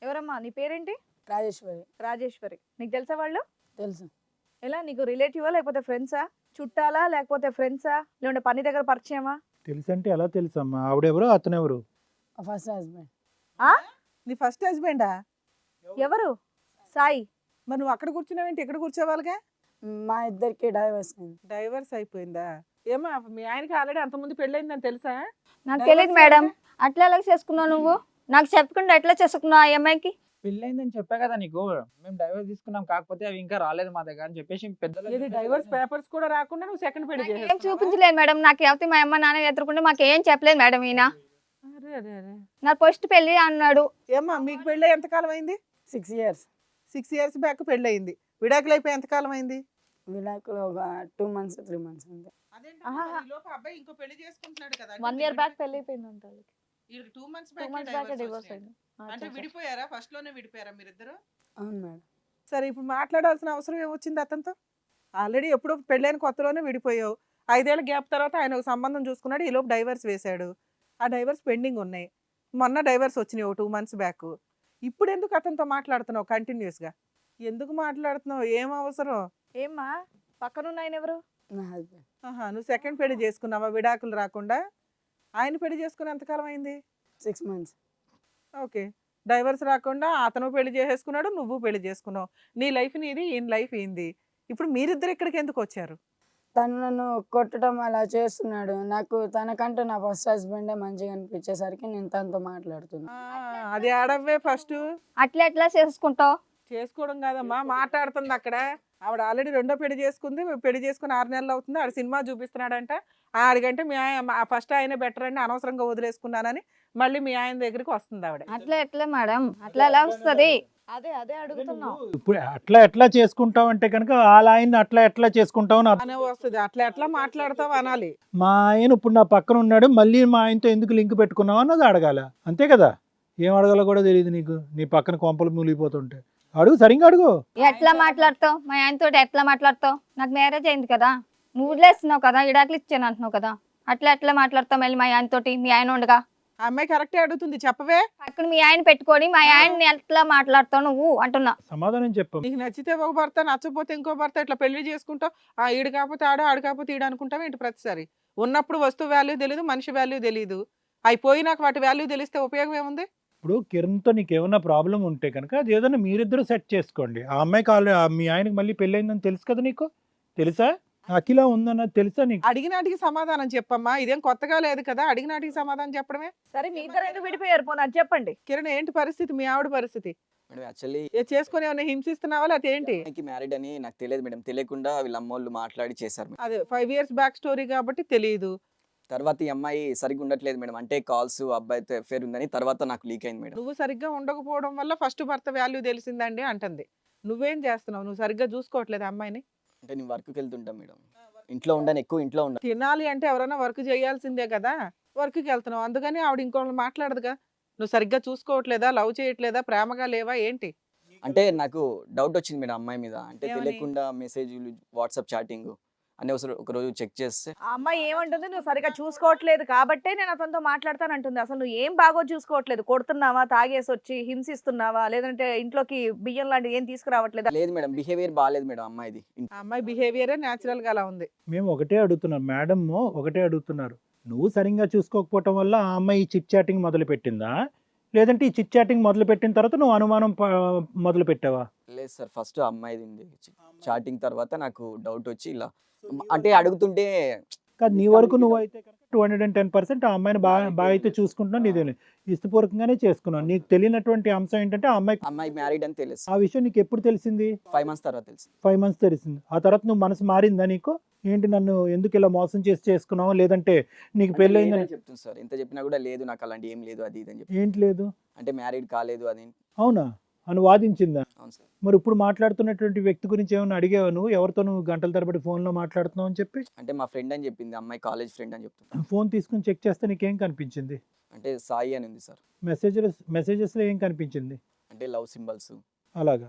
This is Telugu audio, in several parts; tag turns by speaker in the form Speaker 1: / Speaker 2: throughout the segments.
Speaker 1: ఎవరమ్మా నీ పేరేంటి?
Speaker 2: రాజేశ్వరి.
Speaker 1: రాజేశ్వరి. నీకు తెలుసా వాళ్ళు?
Speaker 2: తెలుసు.
Speaker 1: ఎలా నీకు రిలేటివా లేకపోతే ఫ్రెండ్సా? చుట్టాలా లేకపోతే ఫ్రెండ్సా? లేదంటే పని దగ్గర పరిచయమా?
Speaker 3: తెలుసంటే ఎలా తెలుసమ్మా? ఆవిడెవరు అతనెవరు?
Speaker 2: మా ఫస్ట్ హస్బెండ్.
Speaker 1: ఆ?
Speaker 4: నీ ఫస్ట్ హస్బెండా?
Speaker 1: ఎవరు? సాయి.
Speaker 4: మరి నువ్వు అక్కడ కూర్చున్నావేంటి, ఇక్కడ కూర్చోవాలిగా?
Speaker 2: మా ఇద్దరికి డైవర్స్ అయింది.
Speaker 4: డైవర్స్ అయిపోయిందా? ఏమో మీ ఆయనకి ఆల్రెడీ అంతకుముందు పెళ్ళయిందని తెలుసా?
Speaker 5: నాకు తెలియదు మేడం. అట్లా ఎలా చేసుకున్నావు నువ్వు? నాకు చెప్పకుండా ఎట్లా చేసుకున్నావు ఆ అమ్మాయికి?
Speaker 6: పెళ్ళైందని చెప్పా కదా నీకు, మేము డైవర్స్ తీసుకున్నాం, కాకపోతే అవి ఇంకా రాలేదు మా దగ్గర అని చెప్పేసి
Speaker 4: ఇది డైవర్స్ పేపర్స్ కూడా రాకుండా నువ్వు సెకండ్ పెళ్లి
Speaker 5: ఏం
Speaker 4: చేసేసావా?
Speaker 5: చూపించలేదు మేడం. నాకు ఎవరి మా అమ్మ నాన్న ఎదుర్కొంటే మాకు ఏం చెప్పలేదు మేడం. ఈయన
Speaker 4: అరే అరే అరే.
Speaker 5: నా ఫస్ట్ పెళ్లి అన్నాడు.
Speaker 4: ఏమ్మా మీకు పెళ్ళి ఎంతకాలం అయింది?
Speaker 2: 6 years.
Speaker 4: 6 years బ్యాక్ పెళ్ళయింది. విడాకులు అయిపోయి ఎంతకాలం అయింది?
Speaker 2: విడాకులు ఒక 2 months 3 months అంతే.
Speaker 1: ఆహా.
Speaker 4: అబ్బాయి ఇంకో పెళ్లి చేసుకుంటున్నాడు కదా?
Speaker 1: 1 year బ్యాక్ పెళ్లి అయిపోయిందంట వాళ్ళకి.
Speaker 4: 2 months
Speaker 1: 2 months బ్యాక్ డివోర్స్ అయింది.
Speaker 4: అంటే విడిపోయారా? ఫస్ట్ లోనే విడిపోయారా మీరిద్దరు?
Speaker 2: అవును మేడం.
Speaker 4: సరే ఇప్పుడు మాట్లాడాల్సిన అవసరం ఏమొచ్చింది అతనితో? ఆల్రెడీ ఎప్పుడో పెళ్ళైన కొత్తలోనే విడిపోయావు. 5 ఏళ్ల గ్యాప్ తర్వాత ఆయన ఒక సంబంధం చూసుకున్నాడు, ఈలోపు డైవర్స్ వేశాడు. ఆ డైవర్స్ పెండింగ్ ఉన్నాయి. మొన్న డైవర్స్ వచ్చినాయి ఒక 2 months బ్యాక్. ఇప్పుడు ఎందుకు అతనితో మాట్లాడుతున్నావు కంటిన్యూస్గా? ఎందుకు మాట్లాడుతున్నావు? ఏం అవసరం?
Speaker 1: ఏమ్మా పక్కనున్న ఆయన ఎవరు?
Speaker 2: నా హస్బెండ్.
Speaker 4: ఆహా, నువ్వు సెకండ్ పెళ్లి చేసుకున్నావా విడాకులు రాకుండా? ఆయన పెళ్లి చేసుకుని ఎంతకాలం అయింది?
Speaker 2: 6 months.
Speaker 4: ఓకే. డైవర్స్ రాకుండా అతను పెళ్లి చేసేసుకున్నాడు, నువ్వు పెళ్లి చేసుకున్నావు. నీ లైఫ్ నీది, ఈయన లైఫ్ ఏంది? ఇప్పుడు మీరిద్దరు ఇక్కడికి ఎందుకు వచ్చారు?
Speaker 2: తను నన్ను కొట్టడం అలా చేస్తున్నాడు. నాకు తనకంటే నా ఫస్ట్ హస్బెండే మంచిగా అనిపించేసరికి నేను తనతో మాట్లాడుతున్నా.
Speaker 4: అది ఆడవే ఫస్ట్.
Speaker 5: అట్లా ఎట్లా చేసుకుంటావు?
Speaker 4: చేసుకోవడం కాదమ్మా, మాట్లాడుతుంది అక్కడ. ఆవిడ ఆల్రెడీ రెండో పెళ్లి చేసుకుంది. పెళ్లి చేసుకుని 6 నెలలు అవుతుంది. ఆడ సినిమా చూపిస్తున్నాడంట. ఆడికంటే మీ ఆయన ఫస్ట్ ఆయనే బెటర్ అండి, అనవసరంగా వదిలేసుకున్నానని మళ్ళీ మీ ఆయన దగ్గరికి వస్తుంది ఆవిడ.
Speaker 5: అట్లా ఎట్లా మేడం? అట్లా ఎలా వస్తుంది?
Speaker 1: అదే అదే అడుగుతున్నావు.
Speaker 3: ఇప్పుడు అట్లా ఎట్లా చేసుకుంటావు అంటే కనుక వాళ్ళ ఆయన్ని అట్లా ఎట్లా చేసుకుంటావు అని
Speaker 4: అనే వస్తుంది. అట్లా ఎట్లా మాట్లాడతావు అనాలి.
Speaker 3: మా ఆయన ఇప్పుడు నా పక్కన ఉన్నాడు, మళ్ళీ మా ఆయనతో ఎందుకు లింక్ పెట్టుకున్నావు అన్నది అడగాల. అంతే కదా? ఏం అడగాలో కూడా తెలియదు నీకు. నీ పక్కన కొంపలు మూలిగిపోతుంటే అడుగు, సరిగ్గా అడుగు.
Speaker 5: ఎట్లా మాట్లాడతావు? మా ఆయనతో ఎట్లా మాట్లాడతావు? నాకు మ్యారేజ్ అయింది కదా, నువ్వు వదిలేస్తున్నావు కదా, ఇడాకులు ఇచ్చాను అంటున్నావు కదా. అట్లా ఎట్లా మాట్లాడతావు మళ్ళీ మా ఆయనతోటి? మీ ఆయన ఉండగా
Speaker 4: ఆ అమ్మాయి కరెక్టే అడుగుతుంది, చెప్పవే.
Speaker 5: పక్కన మీ ఆయన పెట్టుకొని మా ఆయన్ని ఎట్లా మాట్లాడతావు నువ్వు అంటున్నా.
Speaker 3: సమాధానం చెప్పు.
Speaker 4: నీకు నచ్చితే ఒక భర్త, నచ్చపోతే ఇంకో భర్త, ఇట్లా పెళ్లి చేసుకుంటావు. ఈడు కాకపోతే ఆడు కాకపోతే ఈడు అనుకుంటావు ఏంటి ప్రతిసారి? ఉన్నప్పుడు వస్తువు వాల్యూ తెలియదు, మనిషి వాల్యూ తెలియదు. అయిపోయినాక వాటి వాల్యూ తెలిస్తే ఉపయోగం ఏముంది?
Speaker 3: ఇప్పుడు కిరణ్తో నీకు ఏమైనా ప్రాబ్లం ఉంటే కనుక అది ఏదైనా మీరిద్దరు సెట్ చేసుకోండి. ఆ అమ్మాయికి మీ ఆయనకి మళ్ళీ పెళ్ళయిందని తెలుసు కదా నీకు? తెలుసా? అఖిల ఉందన్నది తెలుసా నీకు?
Speaker 4: అడిగినాటికి సమాధానం చెప్పమ్మా. ఇదేం కొత్తగా లేదు కదా, అడిగినాటికి సమాధానం చెప్పడమే.
Speaker 1: సరే మీ ఇద్దరు ఎందుకు విడిపోయారు? పోనీ అది చెప్పండి.
Speaker 4: కిరణ్ ఏంటి పరిస్థితి? మీ ఆవిడ పరిస్థితి
Speaker 7: మేడం యాక్చువల్లీ
Speaker 4: చేసుకుని ఏమైనా హింసిస్తున్నావా లేకపోతే ఏంటి?
Speaker 7: మ్యారీడ్ అని నాకు తెలియదు మేడం. తెలియకుండా వీళ్ళ అమ్మోళ్ళు మాట్లాడి చేశారు మేడం.
Speaker 4: అదే 5 years బ్యాక్ స్టోరీ కాబట్టి తెలియదు.
Speaker 7: తర్వాత ఈ అమ్మాయి సరిగ్గా ఉండట్లేదు మేడం. అంటే కాల్స్ అబ్బాయితో అఫేర్ ఉందని తర్వాత నాకు లీక్ అయింది మేడం.
Speaker 4: నువ్వు సరిగ్గా ఉండకపోవడం వల్ల ఫస్ట్ భర్త వాల్యూ తెలిసిందండి అంటుంది. నువ్వేం చేస్తున్నావు? నువ్వు సరిగ్గా చూసుకోవట్లేదు అమ్మాయిని.
Speaker 7: అంటే నేను వర్క్కి వెళ్తుంటాను మేడం. ఇంట్లో ఉండను, ఎక్కువ ఇంట్లో ఉండను.
Speaker 4: తినాలి అంటే ఎవరైనా వర్క్ చేయాల్సిందే కదా, వర్క్కి వెళ్తున్నావు. అందుకని ఆవిడ ఇంకోళ్ళు మాట్లాడదుగా. నువ్వు సరిగ్గా చూసుకోవట్లేదా, లవ్ చేయట్లేదా, ప్రేమగా లేవా ఏంటి?
Speaker 7: అంటే నాకు డౌట్ వచ్చింది మేడం అమ్మాయి మీద. అంటే
Speaker 4: ఏమని?
Speaker 7: తెలియకుండా మెసేజ్లు, వాట్సాప్ చాటింగ్ అని ఒక రోజు చెక్ చేస్తే
Speaker 1: ఆ అమ్మాయి ఏమంటుంది? నువ్వు సరిగా చూసుకోవట్లేదు కాబట్టే నేను అతనితో మాట్లాడతాను అంటుంది. అసలు నువ్వు ఏం బాగో చూసుకోవట్లేదు. కొడుతున్నావా, తాగేసి వచ్చి హింసిస్తున్నావా, లేదంటే ఇంట్లోకి బియ్యం లాంటివి ఏం తీసుకురావట్లేదా?
Speaker 7: లేదు మేడం, బిహేవియర్ బాగాలేదు మేడం అమ్మాయిది.
Speaker 4: ఆ అమ్మాయి బిహేవియరే న్యాచురల్ గా అలా ఉంది.
Speaker 3: మేము ఒకటే అడుగుతున్నాం మేడం, ఒకటే అడుగుతున్నారు. నువ్వు సరిగ్గా చూసుకోకపోవటం వల్ల ఆ అమ్మాయి ఈ చిట్ చాటింగ్ మొదలు పెట్టిందా, లేదంటే ఈ చిట్ చాటింగ్ మొదలు పెట్టిన తర్వాత నువ్వు అనుమానం మొదలు పెట్టావా?
Speaker 7: లేదు సార్, ఫస్ట్ అమ్మాయిది ఉంది చాటింగ్. తర్వాత నాకు డౌట్ వచ్చి ఇలా అంటే అడుగుతుంటే
Speaker 3: కాదు, నీ వరకు నువ్వు అయితే 210% ఆ అమ్మాయిని బాగా అయితే చూసుకుంటున్నావు. నీదే ఇష్టపూర్వకంగానే చేసుకున్నావు. నీకు తెలియనటువంటి అంశం ఏంటంటే ఆ
Speaker 7: అమ్మాయి మ్యారీడ్ అని తెలుసు.
Speaker 3: ఆ విషయం నీకు ఎప్పుడు తెలిసింది?
Speaker 7: 5 months తర్వాత తెలుసు.
Speaker 3: 5 months తెలిసింది. ఆ తర్వాత నువ్వు మనసు మారిందా నీకు? ఏంటి నన్ను ఎందుకు ఇలా మోసం చేసి చేసుకున్నావు, లేదంటే నీకు పెళ్ళయిందని
Speaker 7: చెప్తుంది సార్. ఎంత చెప్పినా కూడా లేదు, నాకు అలాంటి ఏం లేదు అది ఇది అని చెప్పి.
Speaker 3: ఏంటి లేదు?
Speaker 7: అంటే మ్యారీడ్ కాలేదు అది.
Speaker 3: అవునా అని వాదించిందా?
Speaker 7: అవును సార్.
Speaker 3: మరి ఇప్పుడు మాట్లాడుతున్నటువంటి వ్యక్తి గురించి ఏమైనా అడిగావా నువ్వు? ఎవరితో నువ్వు గంటల తరబడి ఫోన్లో మాట్లాడుతున్నావు అని చెప్పి?
Speaker 7: అంటే మా ఫ్రెండ్ అని చెప్పింది, అమ్మాయి కాలేజ్ ఫ్రెండ్ అని చెప్తుంది.
Speaker 3: ఫోన్ తీసుకుని చెక్ చేస్తే నీకేం కనిపించింది?
Speaker 7: అంటే సాయి అని ఉంది సార్.
Speaker 3: మెసేజెస్లో ఏం కనిపించింది?
Speaker 7: అంటే లవ్ సింబల్స్
Speaker 3: అలాగా.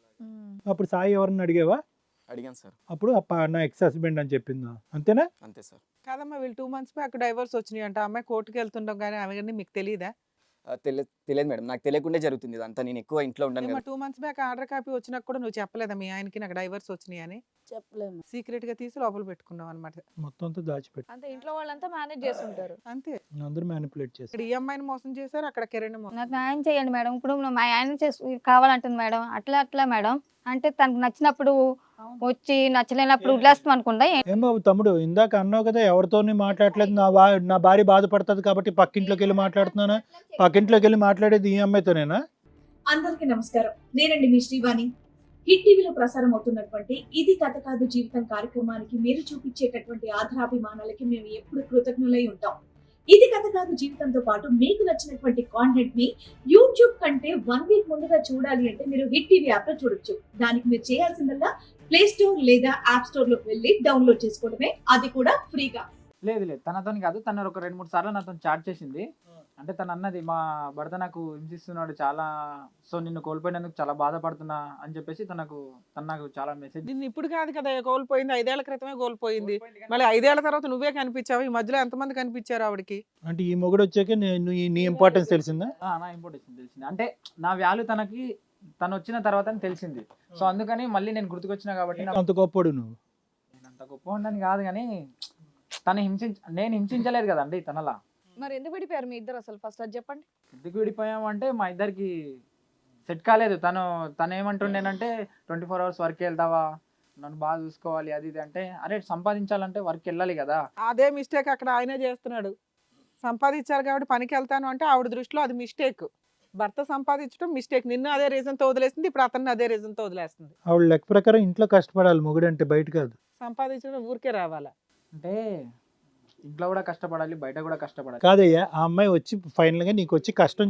Speaker 3: అప్పుడు సాయి ఎవరిని అడిగావా?
Speaker 7: అడిగాను సార్.
Speaker 3: అప్పుడు నా ఎక్స్ హస్బెండ్ అని చెప్పిందా? అంతేనా?
Speaker 7: అంతే సార్.
Speaker 4: కాదమ్మా, వీళ్ళు 2 months బ్యాక్ డైవర్స్ వచ్చినాయి అంట. అమ్మాయి కోర్టుకి వెళ్తుంటాం కానీ ఆమె మీకు తెలియదా?
Speaker 7: తెలియదు మేడం, నాకు తెలియకుండా జరుగుతుంది ఇదంతా. నేను ఎక్కువ ఇంట్లో ఉండను కదా.
Speaker 4: 2 months బ్యాక్ ఆర్డర్ కాపీ వచ్చినాక కూడా నువ్వు చెప్పలేదా మీ ఆయనకి నాకు డైవర్స్ వచ్చినాయి అని?
Speaker 2: చెప్పలేము.
Speaker 4: సీక్రెట్ గా తీసి లోపల పెట్టుకున్నావు అనమాట.
Speaker 3: మొత్తం అంతా దాచిపెట్టి
Speaker 1: అంతే, ఇంట్లో వాళ్ళంతా మేనేజ్ చేస్తుంటారు.
Speaker 4: అంతే.
Speaker 3: అందరూ మ్యానిపులేట్ చేసి
Speaker 4: ఇక్కడ ఈ అమ్మాయిని మోసం చేశారు, అక్కడ కిరణ్ మోసం.
Speaker 5: నాకు న్యాయం చేయండి మేడం. ఇప్పుడు మా ఆయన కావాలంటుంది మేడం. అట్లా మేడం అంటే తనకు నచ్చినప్పుడు వచ్చి నచ్చలేనప్పుడు వదిలేస్తాం అనుకుందా?
Speaker 3: ఏం బాబు తమ్ముడు, ఇందాక అన్నావు కదా ఎవరితోని మాట్లాడలేదు, నా భార్య బాధపడుతుంది కాబట్టి పక్కింట్లోకి వెళ్ళి మాట్లాడుతున్నానా? పక్కింట్లోకి వెళ్ళి మాట్లాడేది ఈ అమ్మాయితోనేనా?
Speaker 8: అందరికీ నమస్కారం. నేనండి మీ శ్రీవాణి. హిట్ టీవీలో ప్రసారం అవుతున్నటువంటి ఇది కథ కాదు జీవితం కార్యక్రమానికి మీరు చూపించేటటువంటి ఆధారాభిమానాలకి మేము ఎప్పుడు కృతజ్ఞులై ఉంటాం. ఇది కథ కాదు జీవితంతో పాటు మీకు నచ్చినటువంటి కాంటెంట్ ని యూట్యూబ్ కంటే 1 week ముందుగా చూడాలి అంటే మీరు హిట్ టీవీ యాప్ లో చూడొచ్చు. దానికి మీరు చేయాల్సిందల్లా ప్లే స్టోర్ లేదా యాప్ స్టోర్ లోకి వెళ్ళి డౌన్లోడ్ చేసుకోవడమే, అది కూడా ఫ్రీగా.
Speaker 6: లేదు తనతో కాదు, తను ఒక 2-3 సార్లు నాతో చాట్ చేసింది. అంటే తను అన్నది మా భర్త నాకు హింసిస్తున్నాడు చాలా, సో నిన్ను కోల్పోయినందుకు చాలా బాధపడుతున్నా అని చెప్పేసి తను నాకు చాలా మెసేజ్.
Speaker 4: నిన్ను ఇప్పుడు కాదు కదా కోల్పోయింది, 5 ఏళ్ల క్రితమే కోల్పోయింది. మళ్ళీ 5 ఏళ్ల తర్వాత నువ్వే కనిపించావు. ఈ మధ్యలో ఎంతమంది కనిపించారు ఆవిడకి?
Speaker 3: అంటే ఈ మొగుడు వచ్చాక నీ ఇంపార్టెన్స్ తెలిసిందా?
Speaker 6: నా ఇంపార్టెన్స్ తెలిసింది, అంటే నా వాల్యూ తను వచ్చిన తర్వాత తెలిసింది. సో అందుకని మళ్ళీ నేను గుర్తుకొచ్చినా కాబట్టి
Speaker 3: అంత గొప్పడు నువ్వు.
Speaker 6: నేను అంత గొప్ప ఉండని కాదు కానీ నేను హింసించలేదు కదండి తనలా.
Speaker 1: మరి ఎందుకు విడిపోయారు మీ ఇద్దరు అసలు? ఫస్ట్ అది చెప్పండి.
Speaker 6: ఎందుకు విడిపోయామంటే మా ఇద్దరికి సెట్ కాలేదు. తను ఏమంటుండేనంటే 24 hours వర్క్ వెళ్తావా, నన్ను బాగా చూసుకోవాలి అది ఇది అంటే, అరే సంపాదించాలంటే వర్క్ వెళ్ళాలి కదా.
Speaker 4: అదే మిస్టేక్ అక్కడ ఆయనే చేస్తున్నాడు. సంపాదించారు కాబట్టి పనికి వెళ్తాను అంటే ఆవిడ దృష్టిలో అది మిస్టేక్. భర్త సంపాదించడం మిస్టేక్. నిన్ను అదే రీజన్ తో వదిలేసింది, ఇప్పుడు అతన్ని అదే రీజన్ తో వదిలేస్తుంది.
Speaker 3: ఆవిడ లెక్క ప్రకారం ఇంట్లో కష్టపడాలి మొగుడు అంటే, బయట కాదు.
Speaker 4: సంపాదించడం ఊరికే రావాలా?
Speaker 6: అంటే ఇంట్లో కూడా కష్టపడాలి, బయట కూడా కష్టపడాలి.
Speaker 3: కాదయ్యా, ఆ అమ్మాయి వచ్చి ఫైనల్ గా నీకు వచ్చి కష్టం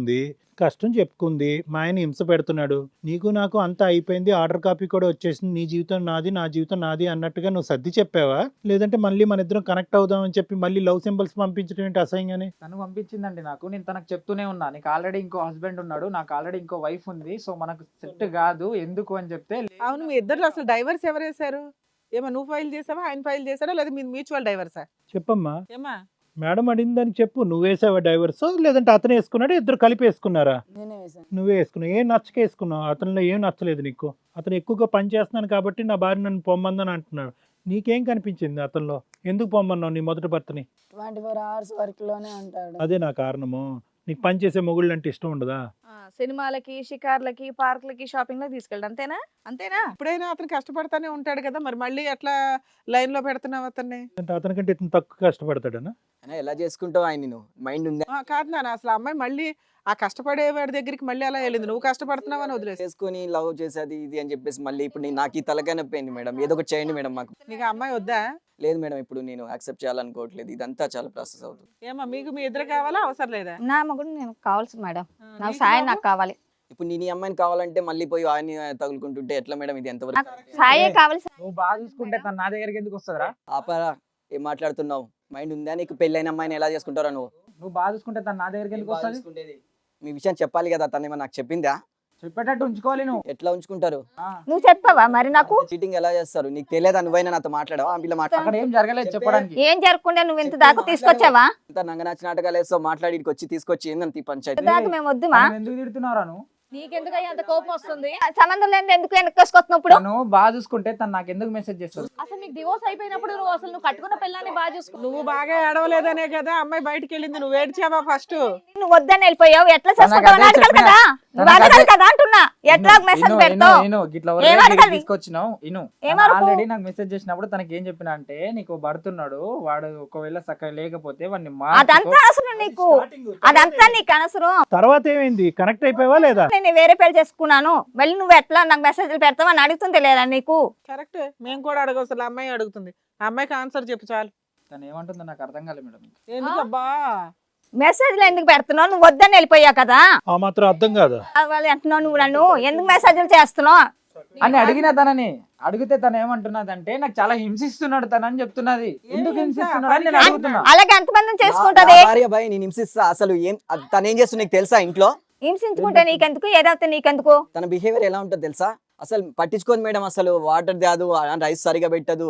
Speaker 3: చెప్పుకుంది, మా ఆయన హింస పెడుతున్నాడు, నీకు నాకు అంతా అయిపోయింది, ఆర్డర్ కాపీ కూడా వచ్చేసింది, నీ జీవితం నాది నా జీవితం నాది అన్నట్టుగా నువ్వు సర్ది చెప్పావా? లేదంటే మళ్ళీ మన ఇద్దరం కనెక్ట్ అవుదాం అని చెప్పి మళ్ళీ లవ్ సింబల్స్ పంపించడం ఏంటి అసహ్యంగానే?
Speaker 6: తను పంపించిందండి నాకు. నేను తనకు చెప్తూనే ఉన్నా, నీకు ఆల్రెడీ ఇంకో హస్బెండ్ ఉన్నాడు, నాకు ఆల్రెడీ ఇంకో వైఫ్ ఉంది, సో మనకు సెట్ కాదు ఎందుకు అని చెప్తే.
Speaker 4: అవును, మీ ఇద్దరు అసలు డైవర్స్ ఎవరు వేశారు? ఏమో నువ్వు ఫైల్ చేసావా, ఆయన ఫైల్ చేశాడా, లేదా మీ మ్యూచువల్ డైవర్సా?
Speaker 3: చెప్పమ్మా.
Speaker 4: ఏమా
Speaker 3: మేడం అడిగిన దానికి చెప్పు. నువ్వు వేసావా డైవర్స్, లేదంటే అతను వేసుకున్నాడు, ఇద్దరు కలిపి వేసుకున్నారా?
Speaker 2: నేనే వేసాను.
Speaker 3: నువ్వే వేసుకున్నావు. ఏం నచ్చక వేసుకున్నావు? అతనిలో ఏం నచ్చలేదు నీకు? అతను ఎక్కువగా పని చేస్తున్నాను కాబట్టి నా భార్య నన్ను పొమ్మందని అంటున్నాడు. నీకేం కనిపించింది అతనిలో? ఎందుకు పొమ్మన్నావు నీ మొదటి భర్తని?
Speaker 2: 24 hours వర్క్ లోనే ఉంటాడు.
Speaker 3: అదే నా కారణము. నీకు పని చేసే మొగుళ్ళు అంటే ఇష్టం ఉండదా?
Speaker 1: సినిమాలకి, షికార్లకి, పార్కులకి, షాపింగ్ లకి తీసుకెళ్ళి అంతేనా?
Speaker 4: ఇప్పుడైనా అతను కష్టపడతానే ఉంటాడు కదా, మరి మళ్ళీ ఎట్లా లైన్ లో పెడుతున్నావు అతన్ని?
Speaker 3: అంటే అతనికంటే ఇతను తక్కువ కష్టపడతాడనా?
Speaker 7: అయినా ఎలా చేసుకుంటావు ఆయన? నువ్వు మైండ్ ఉందా?
Speaker 4: కాదు నాన్న, అసలు అమ్మాయి మళ్ళీ ఆ కష్టపడే వాడి దగ్గరికి మళ్ళీ అలా వెళ్ళింది. నువ్వు కష్టపడుతున్నావు అని వదిలేసి
Speaker 7: చేసుకొని లవ్ చేసేది ఇది అని చెప్పేసి మళ్ళీ ఇప్పుడు నాకు ఈ తలకాయ నొప్పి అయింది మేడం. ఏదో ఒకటి చేయండి మేడం మాకు.
Speaker 4: నీకు ఆ అమ్మాయి వద్దా?
Speaker 7: లేదు మేడం, ఇప్పుడు నేను యాక్సెప్ట్ చేయాలనుకోవట్లేదు. ఇదంతా చాలా ప్రాసెస్ అవుతుంది.
Speaker 4: ఏమా మీకు మీ ఇద్దరు కావాలా, అవసరం లేదా?
Speaker 5: నా మగుడు నేను కావాల్సింది మేడం. నాకు
Speaker 4: నీకు
Speaker 5: సాయం
Speaker 4: బాబు?
Speaker 5: నాకు కావాలి.
Speaker 7: ఇప్పుడు నేను ఈ అమ్మాయిని కావాలంటే మళ్ళీ పోయి ఆయన తగులుకుంటుంటే ఎట్లా మేడం? ఇది ఎంతవరకు?
Speaker 5: నాకు సాయే కావాలి.
Speaker 6: నువ్వు బాగా చూసుకుంటే తను నా దగ్గరికి ఎందుకు వస్తుందిరా?
Speaker 7: ఆపరా, ఏం మాట్లాడుతున్నావు? మైండ్ ఉందా నీకు? పెళ్ళైన అమ్మాయిని ఎలా చేసుకుంటారా నువ్వు?
Speaker 6: నువ్వు బాగా చూసుకుంటే తను నా దగ్గరికి ఎందుకు వస్తుంది?
Speaker 7: మీ విషయం చెప్పాలి కదా, తను ఏమన్నా నాకు చెప్పిందా?
Speaker 6: చెప్పేటట్టు ఉంచుకోవాలి నువ్వు.
Speaker 7: ఎట్లా ఉంచుకుంటారు?
Speaker 5: నువ్వు చెప్పావా మరి నాకు?
Speaker 7: చీటింగ్ ఎలా చేస్తారు? నీకు తెలియదా? నువ్వైనా నాతో మాట్లాడావా? ఆ పిల్ల
Speaker 6: అక్కడ ఏం జరగలేదు చెప్పడానికి.
Speaker 5: ఏం జరగకుండా నువ్వు ఇంత దాకా తీసుకొచ్చావా?
Speaker 7: నంగనాచి నాటకాలు వేస్తావు, మాట్లాడి ఇక్కడికి వచ్చి తీసుకొచ్చి ఏందంత ఈ పంచాయతీ?
Speaker 5: దాకా మేము వద్దుమా?
Speaker 6: తను ఎందుకు తిడుతున్నారా నువ్వు?
Speaker 1: నీకెందుకు అంత కోపం వస్తుంది?
Speaker 5: సంబంధం లేని ఎందుకు వెనక్కొసుకొచ్చినప్పుడు?
Speaker 6: తను బాగా చూసుకుంటే తను నాకు ఎందుకు మెసేజ్ చేస్తుంది?
Speaker 1: అసలు నీకు డివోర్స్ అయిపోయినప్పుడు నువ్వు కట్టుకున్న పిల్లాన్ని బాగా చూసుకో.
Speaker 4: నువ్వు బాగా ఏడవలేదనే కదా అమ్మాయి బయటికి వెళ్ళింది. నువ్వు ఏడ్చావా ఫస్ట్?
Speaker 5: నువ్వు వద్దని వెళ్ళిపోయావు, ఎట్లా చేసుకుంటావు అని అడగాలి కదా. నువ్వు అడగాలి కదా అంటున్నా. ఎట్లా మెసేజ్ పెడతావు? ఏం అడగాలి?
Speaker 6: తీసుకొచ్చినావు
Speaker 5: ఏమరుపు?
Speaker 6: ఆల్రెడీ నాకు మెసేజ్ చేసినప్పుడు తనకి ఏం చెప్పినా అంటే, నీకు భర్తున్నాడు, వాడు ఒకవేళ చక్కగా లేకపోతే వాడిని
Speaker 5: అదంతా అవసరం నీకు, అదంతా నీకు అనవసరం.
Speaker 3: తర్వాత ఏమైంది? కనెక్ట్ అయిపోయావా లేదా?
Speaker 5: నేను వేరే పెళ్లి చేసుకున్నాను, మళ్ళీ నువ్వు ఎట్లా నాకు మెసేజ్లు పెడతావు అని అడుగుతుంది లేదా నీకు?
Speaker 4: కరెక్ట్, మేము కూడా అడగవసలు. అమ్మాయి అడుగుతుంది, ఆ అమ్మాయికి ఆన్సర్ చెప్పు చాలు.
Speaker 6: తను ఏమంటుందో నాకు అర్థం కాలేదు మేడం.
Speaker 4: ఎందుకబ్బా
Speaker 5: మెసేజ్లు ఎందుకు పెడుతున్నావు? నువ్వు వద్దని వెళ్ళిపోయావు కదా.
Speaker 3: ఆ మాత్రం అర్థం కాదు.
Speaker 5: వాళ్ళు అంటున్నావు, నువ్వు నన్ను ఎందుకు మెసేజ్లు చేస్తున్నావు
Speaker 6: అని అడిగిన తనని అడిగితే తను ఏమంటున్నదంటే, నాకు చాలా హింసిస్తున్నాడు తనని చెప్తున్నది. ఎందుకు హింసిస్తున్నాడు అని నేను అడుగుతున్నా.
Speaker 5: అలాగే ఎంతమందిని చేసుకుంటది?
Speaker 7: భార్య భయ నేను హింసిస్తా. అసలు ఏం తను ఏం చేస్తుంది నీకు తెలుసా? ఇంట్లో
Speaker 5: హింసించుకుంటే నీకెందుకు, ఏదైతే నీకెందుకు?
Speaker 7: తన బిహేవియర్ ఎలా ఉంటుందో తెలుసా? అసలు పట్టించుకోదు మేడం. అసలు వాటర్ దాదు, రైస్ సరిగా పెట్టదు,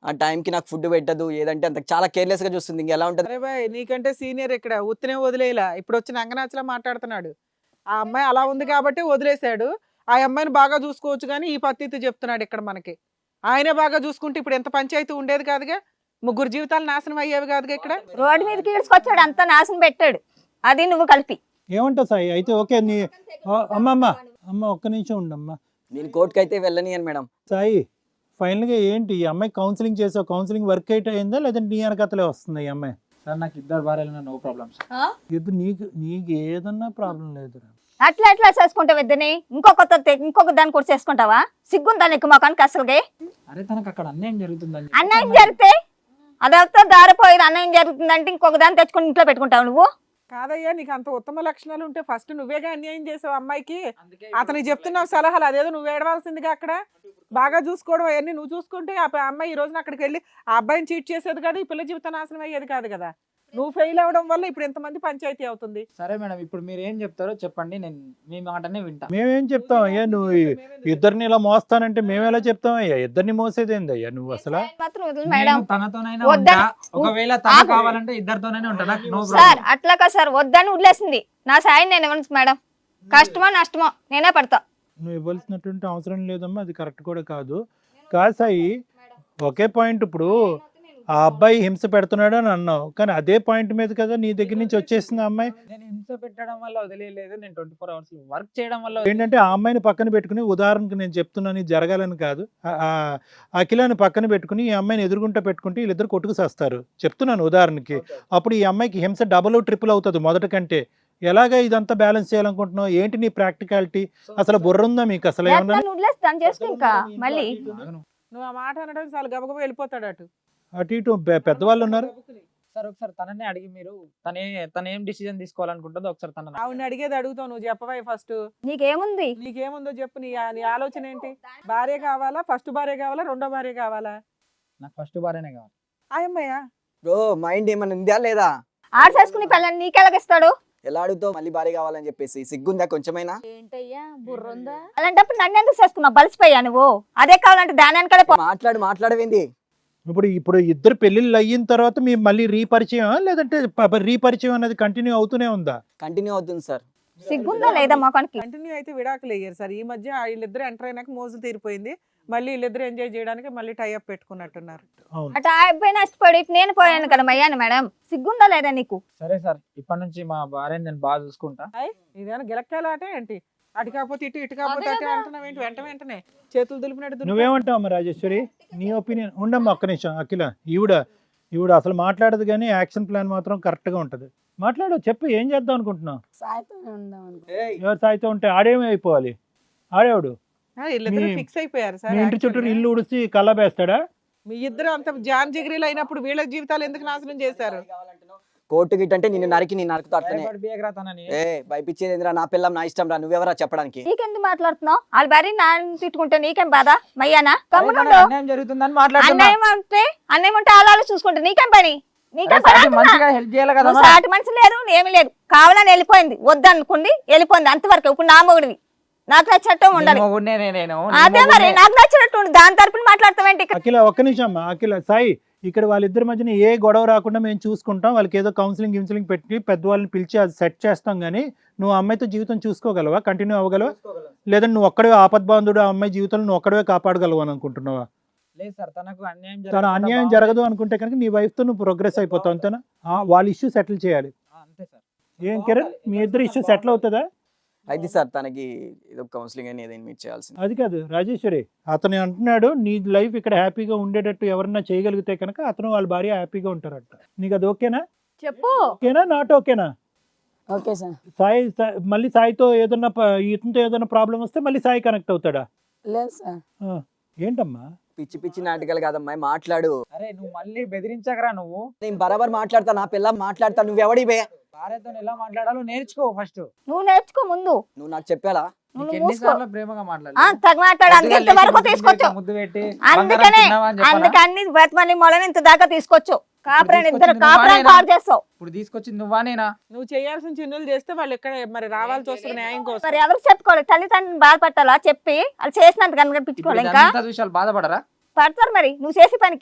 Speaker 7: ఆ టైంకి నాకు ఫుడ్ పెట్టదు, ఏదంటే అంత చాలా కేర్లెస్ గా చూస్తుంది. ఇంక ఎలా ఉంటుంది?
Speaker 4: అరే బాయ్, నీకంటే సీనియర్ ఇక్కడ ఉత్తినే వదిలేలా, ఇప్పుడు వచ్చిన అంగనాచలా మాట్లాడుతున్నాడు. ఆ అమ్మాయి అలా ఉంది కాబట్టి వదిలేశాడు. ఆ అమ్మాయిని బాగా చూసుకోవచ్చు కానీ ఈ పద్ధతి చెప్తున్నాడు ఇక్కడ మనకి. ఆయనే బాగా చూసుకుంటే ఇప్పుడు ఎంత పంచాయతీ ఉండేది కాదుగా, ముగ్గురు జీవితాలు నాశనం అయ్యేవి కాదుగా ఇక్కడ.
Speaker 5: రోడ్డు మీదకి ఈడ్చుకొచ్చాడు, అంతా నాశనం పెట్టాడు. అది నువ్వు కలిపి
Speaker 3: ఏమంటావు సాయి? అయితే ఓకే నీ అమ్మ ఒక్క నిమిషం ఉండమ్మా.
Speaker 7: నేను కోర్టుకి అయితే వెళ్ళనియను మేడం.
Speaker 3: సాయి ఫైనల్గా ఏంటి ఈ అమ్మాయి కౌన్సిలింగ్ చేసావు, కౌన్సిలింగ్ వర్క్ అయితే అయిందా లేదంటే నీ వెనకతలే వస్తుంది ఈ అమ్మాయి?
Speaker 6: సార్ నాకు 2 భార్యలు, నో ప్రాబ్లమ్ సార్.
Speaker 3: ఇప్పుడు నీకు ఏదన్నా ప్రాబ్లం లేదురా.
Speaker 5: అట్లా ఎట్లా చేసుకుంటావు ఇద్దరిని? ఇంకొక దాన్ని కూడా చేసుకుంటావా? సిగ్గుందా నీకు మొఖానికి అసలుకి?
Speaker 6: అరే తనకు అక్కడ అన్యాయం జరుగుతుందని
Speaker 5: అన్యాయం జరిగితే అదంతా దారిపోయేది. అన్యాయం జరుగుతుందంటే ఇంకొక దాన్ని తెచ్చుకుని ఇంట్లో పెట్టుకుంటావు నువ్వు?
Speaker 4: కాదయ్యా, నీకు అంత ఉత్తమ లక్షణాలు ఉంటే ఫస్ట్ నువ్వేగా అన్యాయం చేసావు అమ్మాయికి. అతనికి చెప్తున్నావు సలహాలు, అదేదో నువ్వు ఏడవలసిందిగా అక్కడ. బాగా చూసుకోవడం అవన్నీ నువ్వు చూసుకుంటే ఆ అమ్మాయి ఈ రోజున అక్కడికి వెళ్ళి ఆ అబ్బాయిని చీట్ చేసేది కాదు, ఈ పిల్ల జీవితం నాశనం అయ్యేది కాదు కదా. నువ్వు ఫెయిల్ అవ్వడం వల్ల ఇప్పుడు ఎంతమంది పంచాయతీ అవుతుంది.
Speaker 6: సరే మేడం, ఇప్పుడు మీరు ఏం చెప్తారో చెప్పండి, నేను మీ మాటనే వింటా.
Speaker 3: మేమేం చెప్తాం అయ్యా? నువ్వు ఇద్దరిని ఇలా మోస్తానంటే మేమేలా చెప్తాం అయ్యా? ఇద్దరిని మోసేదేంది అయ్యా నువ్వు అసలు?
Speaker 5: మాత్రం వదిలి
Speaker 6: నేను
Speaker 5: మేడం.
Speaker 6: తనతోనైనా
Speaker 5: వద్దని-
Speaker 6: ఉంటా, ఒకవేళ తన
Speaker 5: ఆగు.
Speaker 6: కావాలంటే ఇద్దరితోనైనా ఉంటా, నాకు నో
Speaker 5: సార్
Speaker 6: ప్రాబ్లం.
Speaker 5: అట్లా కాదు సార్, వద్దని వదిలేసింది. నా సాయం నేను ఇవ్వను మేడం. కష్టమో నష్టమో నేనే పడతా.
Speaker 3: నువ్వు ఇవ్వాల్సినటువంటి అవసరం లేదమ్మా, అది కరెక్ట్ కూడా కాదు. కాదు సాయి, ఒకే పాయింట్. ఇప్పుడు ఆ అబ్బాయి హింస పెడుతున్నాడు అని అన్నావు, కానీ అదే పాయింట్ మీద కదా నీ దగ్గర నుంచి వచ్చేసింది ఆ అమ్మాయి.
Speaker 6: నేను హింస పెట్టడం వల్ల వదిలేదు, నేను 24 hours వర్క్ చేయడం వల్ల
Speaker 3: ఏంటంటే ఆ అమ్మాయిని పక్కన పెట్టుకుని, ఉదాహరణకు నేను చెప్తున్నాను ఇది జరగాలని కాదు, ఆ అఖిలాని పక్కన పెట్టుకుని ఈ అమ్మాయిని ఎదురుగుంటా పెట్టుకుంటే వీళ్ళిద్దరు కొట్టుకు చేస్తారు చెప్తున్నాను ఉదాహరణకి. అప్పుడు ఈ అమ్మాయికి హింస డబుల్ ట్రిపుల్ అవుతుంది మొదటి కంటే. ఎలాగ ఇదంతా బ్యాలెన్స్ చేయాలనుకుంటున్నావు? ఏంటి నీ ప్రాక్టికాలిటీ? అసలు బుర్ర ఉందా మీకు అసలు ఏమన్నా?
Speaker 5: నన్ను వదిలేసి దాన్ని చేసుకో ఇంకా మళ్ళీ.
Speaker 4: నువ్వు ఆ మాట అనడం చాలా గబగబా వెళ్ళిపోతాడు అటు.
Speaker 3: అటు ఇటు పెద్దవాళ్ళు ఉన్నారు.
Speaker 6: సార్ ఒకసారి తననే అడిగి, మీరు తన ఏం డిసిజన్ తీసుకోవాలనుకుంటుందో ఒకసారి తన
Speaker 4: ఆవిడని అడిగేది అడుగుతావు, నువ్వు చెప్పవా ఫస్ట్.
Speaker 5: నీకేముంది?
Speaker 4: నీకేముందో చెప్పు, నీ ఆలోచన ఏంటి? భార్య కావాలా, ఫస్ట్ భార్య కావాలా, రెండో భార్య కావాలా?
Speaker 6: నాకు ఫస్ట్ భార్యనే కావాలి.
Speaker 4: ఆ అమ్మాయ్యా
Speaker 7: బ్రో మైండ్ ఏమైనా ఉందా లేదా?
Speaker 5: ఆడ చేసుకుని పిల్లని నీకెలాగిస్తాడు?
Speaker 7: ఎలా అడుగుతావు మళ్ళీ భార్య కావాలని చెప్పేసి? సిగ్గుందా కొంచెమైనా?
Speaker 1: ఏంటయ్యా బుర్ర ఉందా?
Speaker 5: అలాంటప్పుడు నన్ను ఎందుకు చేసుకున్నావు? బలిసిపోయా నువ్వు. అదే కావాలంటే దాని వెనకాలే పో.
Speaker 7: మాట్లాడవేంది?
Speaker 3: ఇప్పుడు ఇద్దరు పెళ్ళిళ్ళు అయిన తర్వాత మీ మళ్ళీ రీపరిచయం లేదంటే రీపరిచయం అనేది కంటిన్యూ అవుతూనే ఉందా?
Speaker 7: కంటిన్యూ అవుతుంది సార్.
Speaker 5: సిగ్గుందా లేదా మొఖానికి?
Speaker 4: కంటిన్యూ అయితే విడాకులు అయ్యారు సార్. ఈ మధ్య వీళ్ళిద్దరు ఎంటర్ అయినాక మోజు తీరిపోయింది, మళ్ళీ వీళ్ళిద్దరు ఎంజాయ్ చేయడానికి మళ్ళీ టైఅప్ పెట్టుకున్నట్టున్నారు.
Speaker 3: అవును.
Speaker 5: అటు ఆ అబ్బాయి నష్టపడి ఇటు నేను పోయాను కదా మయ్యాను మేడం. సిగ్గుందా లేదా నీకు?
Speaker 6: సరే సార్, ఇప్పటి నుంచి మా భార్యని నేను బాగా చూసుకుంటా.
Speaker 4: ఇదేనా గిలక్కాల ఆట ఏంటి? అటు కాకపోతే ఇటు కాకపోతే అటే అంటున్నావు ఏంటి? వెంటనే చేతులు దులిపినట్టు
Speaker 3: నువ్వేమంటావు అమ్మ రాజేశ్వరి? నీ ఒపీనియన్ ఉండమ్మా ఒక్క నిమిషం. అఖిల ఈవిడ అసలు మాట్లాడదు కానీ యాక్షన్ ప్లాన్ మాత్రం కరెక్ట్గా ఉంటుంది. మాట్లాడు, చెప్పు, ఏం చేద్దాం అనుకుంటున్నావు?
Speaker 2: సాయితోనే ఉందాం అనుకో.
Speaker 3: ఎవరు సాయితో ఉంటే ఆడేమి అయిపోవాలి? ఆడేవాడు
Speaker 4: వీళ్ళిద్దరు
Speaker 3: మీ-
Speaker 4: ఫిక్స్ అయిపోయారు సార్.
Speaker 3: మీ ఇంటి చుట్టూ
Speaker 4: actually.
Speaker 3: ఇల్లు ఉడిసి కళ్ళబేస్తాడా?
Speaker 4: మీ ఇద్దరు అంత జాన్ జిగిరీలు అయినప్పుడు వీళ్ళ జీవితాలు ఎందుకు నాశనం చేశారు?
Speaker 7: కోర్టు గిట్ అంటే నిన్ను నరుకుతా అట్లనే.
Speaker 6: బిహేవియర్ తనని
Speaker 7: భయపించేది ఏందిరా? నా పిల్లం నా ఇష్టం రా, నువ్వెవరా చెప్పడానికి?
Speaker 5: నీకెందుకు మాట్లాడుతున్నావు? వాళ్ళ భార్య నాన్న తిట్టుకుంటే నీకేం బాధ? మయ్యానా కమ్ముకుంటూ
Speaker 6: అన్యాయం జరుగుతుందని మాట్లాడుతున్నా.
Speaker 5: అన్నేం ఉంటే అలా చూసుకుంటే నీకేం పని? నీకేం పని అంటున్నా?
Speaker 6: మంచిగా హెల్ప్ చేయాలి కదా.
Speaker 5: నువ్వు సాటి మనిషి లేదు, ఏమీ లేదు. కావాలని వెళ్ళిపోయింది, వద్దనుకుంది వెళ్ళిపోయింది, అంతవరకు. ఇప్పుడు నా మొగుడివి, నాకు నచ్చినట్టు ఉండాలి. అదే మరి నాకు నచ్చినట్టు ఉండు. దాని తరపున మాట్లాడతావేంటి?
Speaker 3: అఖిల ఒక్క నిమిషం అమ్మా. అఖిల సాయి, ఇక్కడ వాళ్ళిద్దరి మధ్యన ఏ గొడవ రాకుండా మేము చూసుకుంటాం. వాళ్ళకి ఏదో కౌన్సిలింగ్ పెట్టి పెద్దవాళ్ళని పిలిచి అది సెట్ చేస్తాం. కానీ నువ్వు అమ్మాయితో జీవితం చూసుకోగలవా? కంటిన్యూ అవ్వగలవా? లేదంటే నువ్వు ఒక్కడే ఆపద్బాంధుడు ఆ అమ్మాయి జీవితంలో నువ్వు ఒక్కడే కాపాడగలవు అని అనుకుంటున్నావా?
Speaker 6: లేదు సార్, తనకు అన్యాయం
Speaker 3: తన అన్యాయం జరగదు అనుకుంటే కనుక నీ వైఫ్తో నువ్వు ప్రోగ్రెస్ అయిపోతావు, అంతేనా? వాళ్ళ ఇష్యూ సెటిల్ చేయాలి.
Speaker 6: అంతే సార్.
Speaker 3: ఏం కిరణ్, మీ ఇద్దరు ఇష్యూ సెటిల్ అవుతుందా?
Speaker 7: అయితే సార్ తనకి ఏదో కౌన్సిలింగ్ అని ఏదైనా మీట్ చేయాల్సింది.
Speaker 3: అది కాదు రాజేశ్వరి, అతను అంటున్నాడు నీ లైఫ్ ఇక్కడ హ్యాపీగా ఉండేటట్టు ఎవరన్నా చేయగలిగితే కనుక అతను వాళ్ళ భార్య హ్యాపీగా ఉంటారట. నీకు అది ఓకేనా?
Speaker 1: చెప్పు.
Speaker 3: ఓకేనా నాట్ ఓకేనా?
Speaker 2: Okay sir.
Speaker 3: మళ్ళీ సాయితో ఏదన్నా ఇతనితో ఏదైనా ప్రాబ్లం వస్తే మళ్ళీ సాయి కనెక్ట్ అవుతాడా?
Speaker 2: లేదు సార్.
Speaker 3: ఏంటమ్మా
Speaker 7: పిచ్చి నాటకాలు కాదమ్మాయి, మాట్లాడు.
Speaker 6: అరే నువ్వు మళ్ళీ బెదిరించకరా. నువ్వు
Speaker 7: నేను బరాబర్ మాట్లాడతా, నా పిల్ల మాట్లాడతా. నువ్వెవడి బే?
Speaker 6: భార్యతో ఎలా మాట్లాడాలో నేర్చుకో ఫస్ట్.
Speaker 5: నువ్వు నేర్చుకో ముందు.
Speaker 7: నువ్వు నాకు చెప్పాలా?
Speaker 5: నువ్వు మూసుకో.
Speaker 6: ఎన్నిసార్లు ప్రేమగా మాట్లాడాలి?
Speaker 5: తగ్గ మాట్లాడు, అందుకే వరకు తీసుకొచ్చు.
Speaker 6: ముద్దు పెట్టి
Speaker 5: అందుకనే అన్ని బతమని మొలని ఇంత దాకా తీసుకొచ్చు. కాపురాన్ని ఇద్దరు కాపురాన్ని పాడు చేస్తావు.
Speaker 6: ఇప్పుడు తీసుకొచ్చింది నువ్వా నేనా?
Speaker 4: నువ్వు చేయాల్సిన చిన్నులు చేస్తే వాళ్ళు ఇక్కడ మరి రావాల్సి వస్తుంది న్యాయం కోసం.
Speaker 5: మరి ఎవరికి చెప్పుకోవాలి? తల్లిదండ్రులను బాధపట్టాలా చెప్పి వాళ్ళు చేసినంత కనిపించుకోవాలి. ఇంకా
Speaker 6: చూసి వాళ్ళు బాధపడరా?
Speaker 5: పడతారు మరి నువ్వు చేసే పనికి.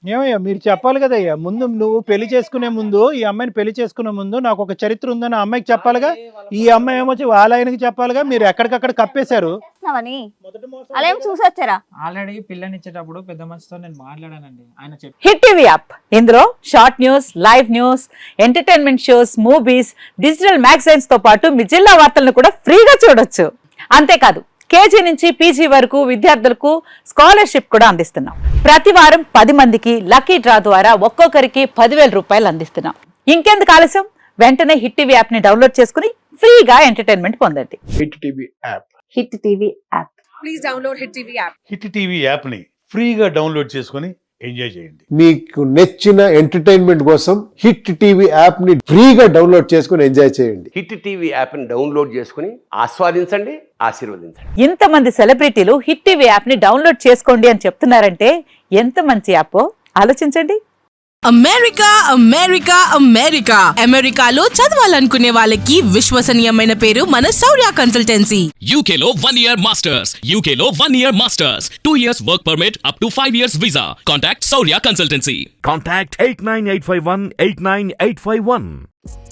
Speaker 3: ఏమయ్యా మీరు చెప్పాలి కదయ్యా, ముందు నువ్వు పెళ్లి చేసుకునే ముందు, ఈ అమ్మాయిని పెళ్లి చేసుకునే ముందు నాకు ఒక చరిత్ర ఉందని ఆ అమ్మాయికి చెప్పాలిగా. ఈ అమ్మాయి ఏమొచ్చి వాళ్ళ ఆయనకి చెప్పాలిగా. మీరు ఎక్కడికక్కడ కప్పేశారు.
Speaker 5: చేస్తున్నావని అలా ఏం చూసి వచ్చారా?
Speaker 6: ఆల్రెడీ పిల్లని ఇచ్చేటప్పుడు పెద్ద మనిషితో నేను మాట్లాడానండి. ఆయన చెప్పి
Speaker 9: హిట్ టీవీ యాప్ ఇందులో short news, live news, entertainment shows, movies, digital magazines తో పాటు మీ జిల్లా వార్తలను కూడా ఫ్రీగా చూడొచ్చు. అంతేకాదు కేజీ నుంచి పీజీ వరకు విద్యార్థులకు స్కాలర్షిప్ కూడా అందిస్తున్నాం. ప్రతి వారం 10 మందికి లక్కీ డ్రా ద్వారా ఒక్కొక్కరికి 10,000 రూపాయలు అందిస్తున్నాం. ఇంకెందుకు ఆలస్యం, వెంటనే హిట్ టీవీ యాప్ ని డౌన్లోడ్ చేసుకుని ఫ్రీగా ఎంటర్టైన్మెంట్ పొందండి.
Speaker 10: Hit TV app.
Speaker 9: Hit TV app.
Speaker 8: Please download hit TV app.
Speaker 10: Hit TV యాప్ని ఫ్రీగా డౌన్లోడ్ చేసుకొని ఎంజాయ్ చేయండి.
Speaker 11: మీకు నచ్చిన ఎంటర్టైన్మెంట్ కోసం హిట్ టీవీ యాప్ ని ఫ్రీగా డౌన్లోడ్ చేసుకుని ఎంజాయ్ చేయండి.
Speaker 12: హిట్ టీవీ యాప్ని డౌన్లోడ్ చేసుకుని ఆస్వాదించండి, ఆశీర్వదించండి.
Speaker 9: ఇంతమంది సెలబ్రిటీలు హిట్ టీవీ యాప్ ని డౌన్లోడ్ చేసుకోండి అని చెప్తున్నారంటే ఎంత మంచి యాప్ ఆలోచించండి.
Speaker 13: అమెరికా అమెరికా అమెరికా అమెరికాలో చదవాలనుకునే వాళ్ళకి విశ్వసనీయమైన పేరు మన శౌర్య కన్సల్టెన్సీ.
Speaker 14: UK లో 1 year masters, UK లో 1 year masters, 2 years work permit up to 5 years visa. Contact Saurya Consultancy.
Speaker 15: Contact 89851 89851.